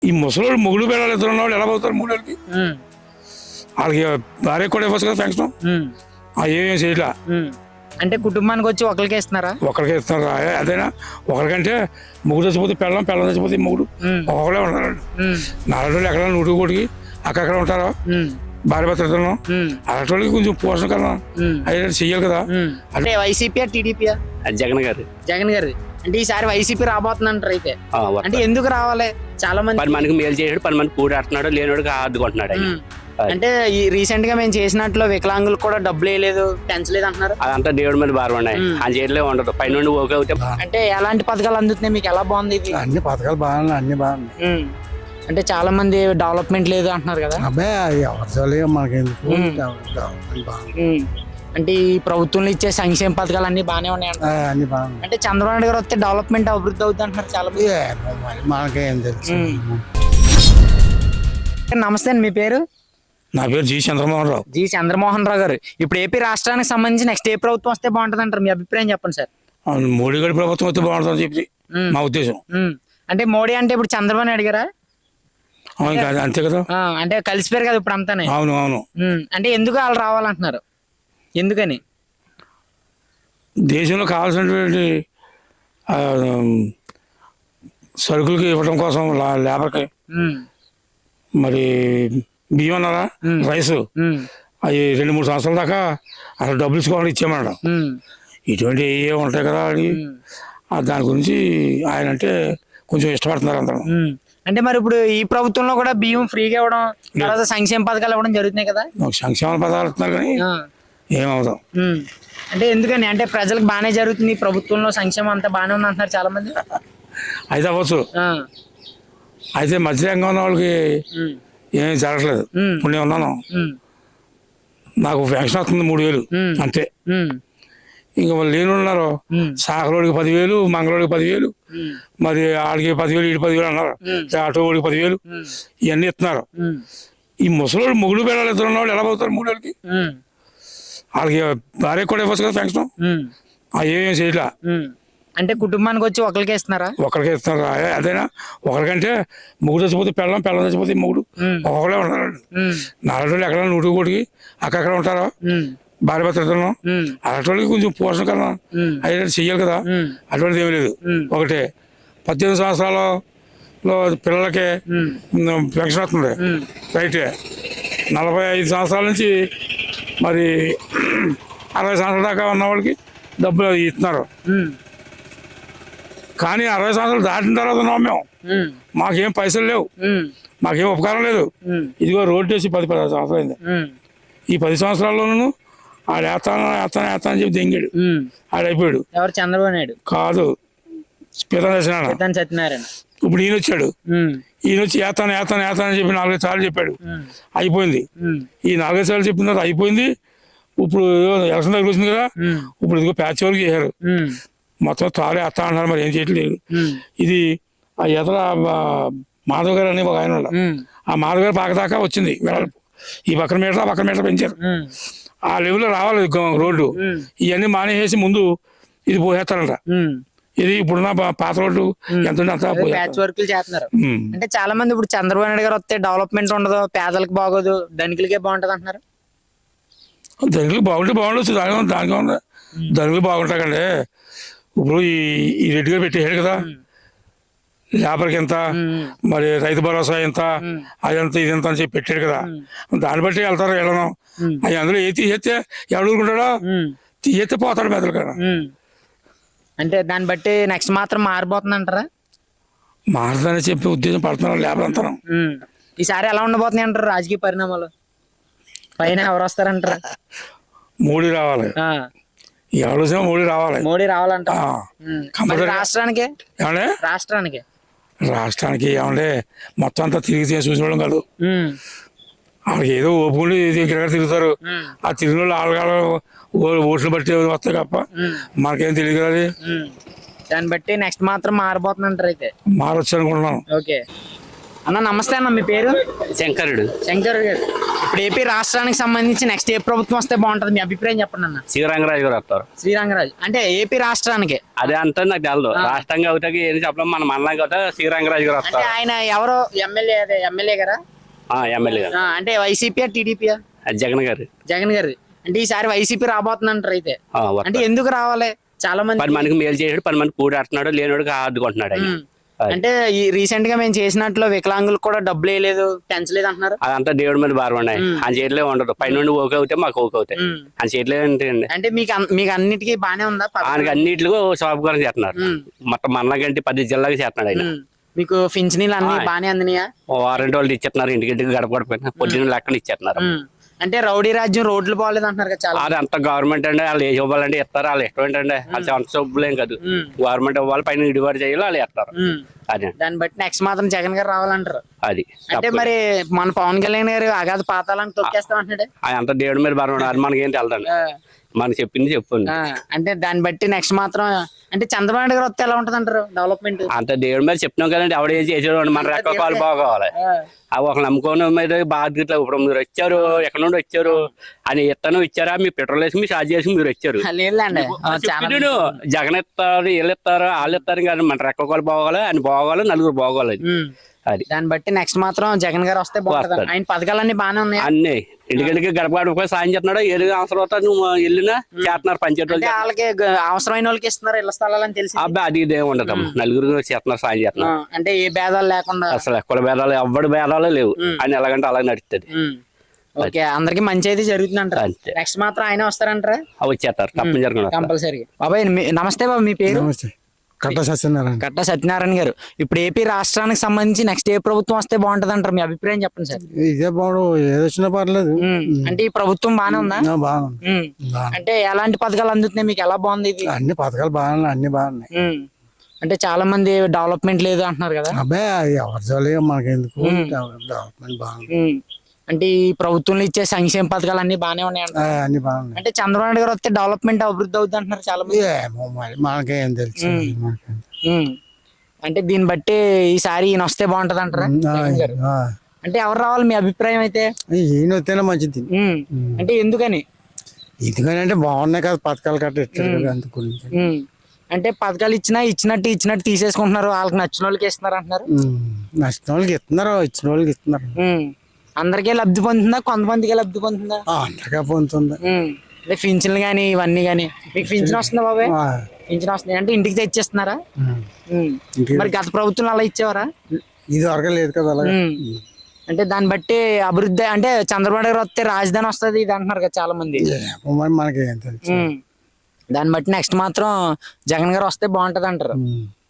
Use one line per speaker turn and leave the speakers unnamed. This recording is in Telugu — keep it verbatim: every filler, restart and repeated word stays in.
ఈ ముసలోళ్ళు మొగుడు పిల్లలు ఇద్దరు ఉన్న వాళ్ళు ఎలా పోతారు మూడేళ్ళకి? వాళ్ళకి భార్య కూడా ఇవ్వచ్చు కదా పెన్షన్. ఏమేమి చేయట్లా.
అంటే కుటుంబానికి వచ్చి ఒకరికే ఇస్తున్నారా?
ఒకరికే ఇస్తున్నారు. అదేనా ఒకరికంటే మొగుడు చచ్చిపోతే పెళ్ళం, పెళ్ళం చచ్చిపోతే మొగుడు ఒకళ్ళే ఉంటారు. నాలుగు రోజులు ఎక్కడ నూటి కోటికి అక్కడ ఉంటారా భార్య భర్తలు. అలాంటి వాళ్ళకి కొంచెం పోషణ కదా అయ్యేటట్టు చెయ్యాలి కదా.
అంటే వైసీపీ టీడీపీ
జగన్ గారు
జగన్ గారు అంటే ఈసారి వైసీపీ రాబోతుందంటారు. అయితే అంటే ఎందుకు రావాలి? చాలా మంది
పది మందికి మేలు చేసాడు, పది మంది కూడి ఆడుతున్నాడు, లేనివాడికి ఆదుకుంటున్నాడు.
అంటే ఈ రీసెంట్ గా మేము చేసినట్లు వికలాంగులు కూడా డబ్బులు వేయలేదు, పెంచలేదు అంటున్నారు.
అదంతా దేవుడి మీద భారం ఉన్నాయి, ఆ చేయట్లే ఉండదు. పైన ఓకే అవుతే
అంటే ఎలాంటి పథకాలు అందుతున్నాయి మీకు? ఎలా బాగుంది ఇది?
అన్ని పథకాలు బాగున్నాయి, అన్ని బాగున్నాయి.
అంటే చాలా మంది డెవలప్మెంట్ లేదు అంటున్నారు కదా.
అబ్బాయి ఎవరు మనకి
అంటే ఈ ప్రభుత్వంలో ఇచ్చే సంక్షేమ పథకాలు అన్ని బాగానే ఉన్నాయి
అన్ని బాగున్నాయి.
అంటే చంద్రబాబు నాయుడు గారు వస్తే డెవలప్మెంట్ అభివృద్ధి అవుతుంది అంటున్నారు చాలా మంది.
మనకేం తెలుసు.
నమస్తే అండి, మీ పేరు?
నా పేరు జి చంద్రమోహన్ రావు.
జి చంద్రమోహన్ రావు గారు, ఇప్పుడు ఏపీ రాష్ట్రానికి సంబంధించి నెక్స్ట్ ఏ ప్రభుత్వం వస్తే బాగుంటుంది అంటారు? మీ అభిప్రాయం చెప్పండి సార్.
మోడీ గారి ప్రభుత్వం వస్తే బాగుంటుందని చెప్పి మా ఉద్దేశం.
అంటే మోడీ అంటే ఇప్పుడు చంద్రబాబు నాయుడు గారా?
అంతే కదా.
అంటే కలిసిపోయారు కదా ఇప్పుడు అంతానే.
అవును అవును.
అంటే ఎందుకు వాళ్ళు రావాలంటున్నారు? ఎందుకని?
దేశంలో కావాల్సినటువంటి సరుకులకి ఇవ్వడం కోసం లేబర్కి మరి బియ్యం అన్నారా, రైస్, అవి రెండు మూడు సంవత్సరాల దాకా అసలు డబ్బులు ఇచ్చుకోవాలని ఇచ్చేయమన్నాడు. ఇటువంటి ఏ ఉంటాయి కదా అని దాని గురించి ఆయన అంటే కొంచెం ఇష్టపడుతున్నారు అందరూ.
అంటే మరి ఇప్పుడు ఈ ప్రభుత్వంలో కూడా బియ్యం ఫ్రీగా ఇవ్వడం, తర్వాత సంక్షేమ పథకాలు ఇవ్వడం జరుగుతున్నాయి కదా.
సంక్షేమ పథకాలు ఇస్తున్నారు కానీ ఏమవుతాం.
అంటే ఎందుకని? అంటే ప్రజలకు బాగానే జరుగుతుంది ప్రభుత్వంలో, సంక్షేమం అంతా బాగానే ఉంది అంటున్నారు చాలా మంది.
అయితే అవ్వచ్చు. అయితే మధ్యరంగం ఉన్న వాళ్ళకి ఏమీ జరగట్లేదు. ఇప్పుడు నేను ఉన్నాను, నాకు పెన్షన్ వస్తుంది మూడు వేలు అంతే. ఇంకా వాళ్ళు లేని ఉన్నారు, సాకరోడికి పదివేలు, మంగళోడికి పదివేలు, మరి ఆడికి పదివేలు, ఈడి పదివేలు అన్నారు, ఆటో వాడికి పదివేలు, ఇవన్నీ ఇస్తున్నారు. ఈ ముసలోళ్ళు మొగుడు పిల్లలు ఇద్దరు ఉన్న వాళ్ళు ఎలా పోతారు మూడేళ్ళకి? వాళ్ళకి భార్య కూడా ఇవ్వచ్చు కదా పెన్షన్. ఏమేమి చేయట్లా.
అంటే కుటుంబానికి వచ్చి ఒకరికే ఇస్తున్నారా?
ఒకరికే ఇస్తున్నారు. అదేనా ఒకరికంటే మొగుడు చచ్చిపోతే పెళ్ళం, పెళ్ళం చచ్చిపోతే మొగుడు ఒకళ్ళే ఉంటారు. నాలుగు రోజులు ఎక్కడ నూటి కోటికి అక్కడ ఉంటారా భార్య భర్తలు. అలాంటి వాళ్ళకి కొంచెం పోషణ కదా అయ్యేటట్టు చెయ్యాలి కదా. అటువంటిది ఏమీ లేదు. ఒకటే పద్దెనిమిది సంవత్సరాలలో పిల్లలకి పెన్షన్ వస్తుంది రైటే. నలభై ఐదు సంవత్సరాల నుంచి మరి అరవై సంవత్సరాల దాకా ఉన్న వాళ్ళకి డబ్బులు ఇస్తున్నారు. కానీ అరవై సంవత్సరాలు దాటిన తర్వాత ఉన్నాం మేము, మాకేం పైసలు లేవు, మాకేం ఉపకారం లేదు. ఇదిగో రోడ్డు వేసి పది పది సంవత్సరాలు అయింది. ఈ పది సంవత్సరాల్లోనూ ఆడు వేస్తాను వేస్తాను వేస్తాను అని చెప్పి దెంగాడు, ఆడైపోయాడు.
ఎవరు? చంద్రబాబు నాయుడు
కాదు, సత్యనారాయణ.
సత్యనారాయణ.
ఇప్పుడు ఈయన వచ్చాడు, ఈయన వచ్చి వేస్తాను వేస్తాను వేస్తాను అని చెప్పి నాలుగైదు సార్లు చెప్పాడు, అయిపోయింది. ఈ నాలుగైదు సార్లు చెప్పిన తర్వాత అయిపోయింది. ఇప్పుడు ఎలక్షన్ దగ్గర వచ్చింది కదా, ఇప్పుడు ఇదిగో ప్యాచ్ వరకు చేశారు, మొత్తం తాళే వేస్తా అంటున్నారు, మరి ఏం చేయట్లేదు. ఇది ఆ ఎదర మాధవ్ గారు అని ఒక ఆయన, ఆ మాధవ్ గారు పాకదాకా వచ్చింది వెళ్ళాలి. ఈ పక్కన మీటర్ ఆ పక్కన మీటర్ పెంచారు. ఆ లెవెల్లో రావాలి రోడ్డు. ఇవన్నీ మానేసి ముందు ఇది పోసేస్తారంట. ఇది ఇప్పుడున్న పాత రోడ్డు ఎంత అంత
ప్యాచ్ వర్క్లు చేస్తున్నారు. అంటే చాలా మంది ఇప్పుడు చంద్రబాబు నాయుడు గారు వస్తే డెవలప్మెంట్ ఉండదు, పేదలకు బాగోదు, ధనికులకే బాగుంటది అంటున్నారు.
ధనికులు బాగుంటే బాగుండొచ్చు, దాని దానికి ఉంది. ధనికులు బాగుంటాకండి. ఇప్పుడు ఈ ఈ రెడ్డి గారు పెట్టేసాడు కదా, లేబర్కి ఎంత, మరి రైతు భరోసా ఎంత, అదంతా ఇదంతా అని చెప్పి పెట్టాడు కదా, దాన్ని బట్టి వెళ్తారు వెళ్ళను. అవి అందులో ఏ తీసేస్తే ఎవడు ఊరుకుంటాడో, తీసేస్తే పోతాడు మెదలు కదా.
అంటే దాన్ని బట్టి నెక్స్ట్ మాత్రం మారిపోతుంది అంటారా?
మారదని చెప్పి ఉద్దేశం పడుతున్నారు లేబర్ అంతా.
ఈసారి ఎలా ఉండబోతున్నాయి అంటారు రాజకీయ పరిణామాలు? పైన ఎవరు వస్తారంటారా?
మోడీ రావాలి, ఎవరు వచ్చినా మోడీ రావాలి.
మోడీ రావాలంట రాష్ట్రానికి.
ఏమంటే
రాష్ట్రానికి
రాష్ట్రానికి ఏమంటే మొత్తం అంతా తిరిగి చూసుకోవడం కాదు, వాళ్ళకి ఏదో ఓపుకుండి ఇక్కడ తిరుగుతారు. ఆ తిరిగిన వాళ్ళు ఆడగాళ్ళు ఓట్లు బట్టి వస్తాయి తప్ప మనకేం తెలియదు కదా.
దాన్ని బట్టి నెక్స్ట్ మాత్రం మారిపోతుంది అంటారు. అయితే
మారొచ్చు అనుకుంటున్నాను.
ఓకే అన్న, నమస్తే అన్న, మీ పేరు?
శంకరుడు.
శంకరుడు గారు, ఇప్పుడు ఏపీ రాష్ట్రానికి సంబంధించి నెక్స్ట్ ఏ ప్రభుత్వం వస్తే బాగుంటది మీ అభిప్రాయం చెప్పండి అన్న.
శ్రీరంగరాజు గారు వస్తారు.
శ్రీరంగరాజు అంటే ఏపీ రాష్ట్రానికి
అదే అంతా నాకు తెలదు. రాష్ట్రంగా అవుతాకి ఏం చెప్పడం, మన మండలంగా అవుతా శ్రీరంగరాజు గారు
అంటే
వస్తారు.
ఆయన ఎవరో ఎమ్మెల్యే అదే ఎమ్మెల్యే గారా
ఎమ్మెల్యే గారు
ఆ, అంటే వైసీపీ టీడీపీ
జగన్ గారు.
జగన్ గారు అంటే ఈసారి వైసీపీ రాబోతుందంటారు అయితే.
ఆ, వస్తారు.
అంటే ఎందుకు రావాలి చాలా మంది
పది మందికి మేలు చేసాడు, పది మంది కూడాడుతున్నాడు, లేనివాడికి ఆదుకుంటున్నాడు ఆయన.
ఉమ్. అంటే ఈ రీసెంట్ గా మేము చేసినట్లు వికలాంగులకు కూడా డబ్బులు వేయలేదు పెంచలేదు అంటున్నారు.
అదంతా దేవుడి మీద భారం ఉన్నాయి. ఆయన చేతిలో ఉండదు. పైనుండి ఓకే అవుతాయి, మాకు ఓకే అవుతాయి.
ఉమ్.
ఆయన చేతిలో ఏంటండి,
అంటే మీకు అన్- మీకు అన్నిటికీ బానే ఉందా పథకం?
ఆయనకి అన్నింటిలో సౌకర్యం చేస్తున్నారు.
ఉమ్.
మొత్తం మనకంటే పది జిల్లాకి చేస్తున్నాడు ఆయన.
ఉమ్. మీకు పింఛనీలు అన్ని
ఆ.
బానే అందినాయా?
వారంటీ వాళ్ళు ఇచ్చేస్తున్నారు, ఇంటికి గడప గడప పొద్దున్న లెక్కన ఇచ్చేస్తున్నారు.
ఉమ్. అంటే రౌడీ రాజ్యం రోడ్లు బాగాలేదు అంటున్నారు కదా చాలా.
అది అంతా గవర్నమెంట్ అండి, వాళ్ళు ఏ ఇవ్వాలంటే ఇస్తారు. వాళ్ళు ఇష్టం ఏంటంటే వాళ్ళు సొంత సబ్బులేం కాదు.
ఉమ్.
గవర్నమెంట్ ఇవ్వాలి, పైన ఇడివాడు చేయాలి, వాళ్ళు ఇస్తారు.
ఉమ్.
అదే
దాన్ని బట్టి నెక్స్ట్ మాత్రం జగన్ గారు రావాలంటారు.
అది
అంటే మరి మన పవన్ కళ్యాణ్ గారు అగాధ పాతాలను తొక్కేస్తాం అంటున్నాడు.
ఆయన అంతా దేవుడి మీద భారం. అది మనకేం తెలదండి,
ఆ.
మనకి చెప్పింది చెప్పింది.
ఆ, అంటే దాన్ని బట్టి నెక్స్ట్ మాత్రం అంటే చంద్రబాబు నాయుడు గారు వస్తే ఎలా ఉంటది అంటారు డెవలప్మెంట్?
అంత దేవుడి మీద చెప్తున్నాం కదండి, ఆవిడ ఏం చేసేవాడు, మన రెక్క కాలు బాగోవాలి. అవి ఒక నమ్ముకోని మీద బాధ్యత. ఇప్పుడు మీరు వచ్చారు, ఎక్కడ నుండి వచ్చారు అని ఇత్తనం ఇచ్చారా, మీ పెట్రోల్ వేసి మీ ఛార్జ్ చేసి మీరు వచ్చారు.
లేదులేండి ఆ, చాలా
చెప్పిండు, జగన్ ఇస్తారు, వీళ్ళు ఇస్తారు, వాళ్ళు ఇస్తారు కానీ మన రెక్క కాలు బాగోవాలి, ఆయన బాగోవాలి, నలుగురు బాగోవాలి.
ఉమ్.
అది
దాన్ని బట్టి నెక్స్ట్ మాత్రం జగన్ గారు వస్తే బాగుంటది.
వస్తాడు.
ఆయన పథకాలన్నీ బాగానే ఉన్నాయి.
అన్ని ఇంటికి గడప గడప సాయం చేస్తున్నాడు. ఏది అవసరం అవుతా నువ్వు వెళ్ళినా చేస్తున్నారు పంచాయతీ
అంటే
వాళ్ళు.
వాళ్ళకి గ- అవసరమైన వాళ్ళకి ఇస్తున్నారు ఇళ్ల స్థలాలని తెలిసి.
అబ్బాయి అది ఇదే ఉండదు, నలుగురు చేస్తున్నారు, సాయం
ఆ,
చేస్తున్నారు.
అంటే ఏ భేదాలు లేకుండా.
అసలు ఎక్కడ భేదాలు, ఎవ్వడి భేదాలు లేవు. ఆయన ఎలాగంటే అలా నడుస్తుంది.
ఉమ్. ఓకే, అందరికి మంచి అయితే జరుగుతుంది అంటారు.
అంతే.
నెక్స్ట్ మాత్రం ఆయన వస్తారంటారా?
అవి వచ్చేస్తారు తప్పని జరగదు.
కంపల్సరీ. బాబాయ్ మీ- నమస్తే బాబు, మీ పేరు?
నమస్తే కట్ట సత్యనారాయణ.
కట్ట సత్యనారాయణ గారు. ఇప్పుడు ఏపీ రాష్ట్రానికి సంబంధించి నెక్స్ట్ ఏ ప్రభుత్వం వస్తే బాగుంటది అంటారు? మీ అభిప్రాయం చెప్పండి సార్.
ఇదే బాగుండు, ఏదొచ్చినా పర్లేదు.
ఉమ్. అంటే ఈ ప్రభుత్వం బాగానే ఉందా?
ఆ, బాగుంది.
ఉమ్.
బాగుంది.
అంటే ఎలాంటి పథకాలు అందుతున్నాయి మీకు? ఎలా బాగుంది ఇది?
అన్ని పథకాలు బాగున్నాయి, అన్ని బాగున్నాయి.
ఉమ్. అంటే చాలా మంది డెవలప్మెంట్ లేదు అంటున్నారు కదా.
అబ్బాయి అది ఎవరి జోలి మనకెందుకు, డెవలప్మెంట్ బాగుంది.
ఉమ్. అంటే ఈ ప్రభుత్వంలో ఇచ్చే సంక్షేమ పథకాలు అన్ని బాగానే ఉన్నాయి
ఆ,
అంటారు.
అన్ని బాగున్నాయి.
అంటే చంద్రబాబు నాయుడు గారు వస్తే డెవలప్మెంట్ అభివృద్ధి అవుతుంది అంటున్నారు చాలా మంది.
ఏమో మరి మనకేం తెలుసు. మనకేం.
ఉమ్. అంటే దీన్ని బట్టి ఈసారి ఈయన వస్తే బాగుంటది అంటారా
ఆ,
జగన్ గారు?
ఆ.
అంటే ఎవరు రావాలి మీ అభిప్రాయం అయితే?
ఈయన వస్తేనే మంచిది.
ఉమ్. అంటే ఎందుకని?
ఎందుకని అంటే బాగున్నాయి కదా పథకాలు కట్ట ఇచ్చారు కదా, అందుకు గురించి.
ఉమ్. అంటే పథకాలు ఇచ్చినా ఇచ్చినట్టు ఇచ్చినట్టు తీసేసుకుంటున్నారు, వాళ్ళకి నచ్చిన వాళ్ళకి ఇస్తున్నారు అంటున్నారు.
ఉమ్. నచ్చిన వాళ్ళకి ఇస్తున్నారు, ఇచ్చిన వాళ్ళకి ఇస్తున్నారు.
ఉమ్. అందరికీ లబ్ధి పొందుతుందా, కొంతమందికి లబ్ధి పొందుతుందా?
ఆ, అందరికీ పొందుతుంది.
ఉమ్. అంటే పింఛన్లు కానీ ఇవన్నీ కానీ మీకు పింఛన్ వస్తుందా బాబాయ్?
ఆ,
పింఛన్ వస్తుంది అంటే ఇంటికి తెచ్చిస్తున్నారా?
ఉమ్.
ఉమ్.
ఇంటికి-
మరి గత ప్రభుత్వం అలా ఇచ్చేవారా?
ఇది వరకు లేదు కదా అలాగే.
ఉమ్. అంటే దాన్ని బట్టి అభివృద్ధి అంటే చంద్రబాబు గారు వస్తే రాజధాని వస్తుంది ఇది అంటున్నారు కదా చాలా మంది.
ఏమో మరి మనకి ఏం తెలుసు.
ఉమ్. దాన్ని బట్టి నెక్స్ట్ మాత్రం జగన్ గారు వస్తే బాగుంటది అంటారు.
ఉమ్.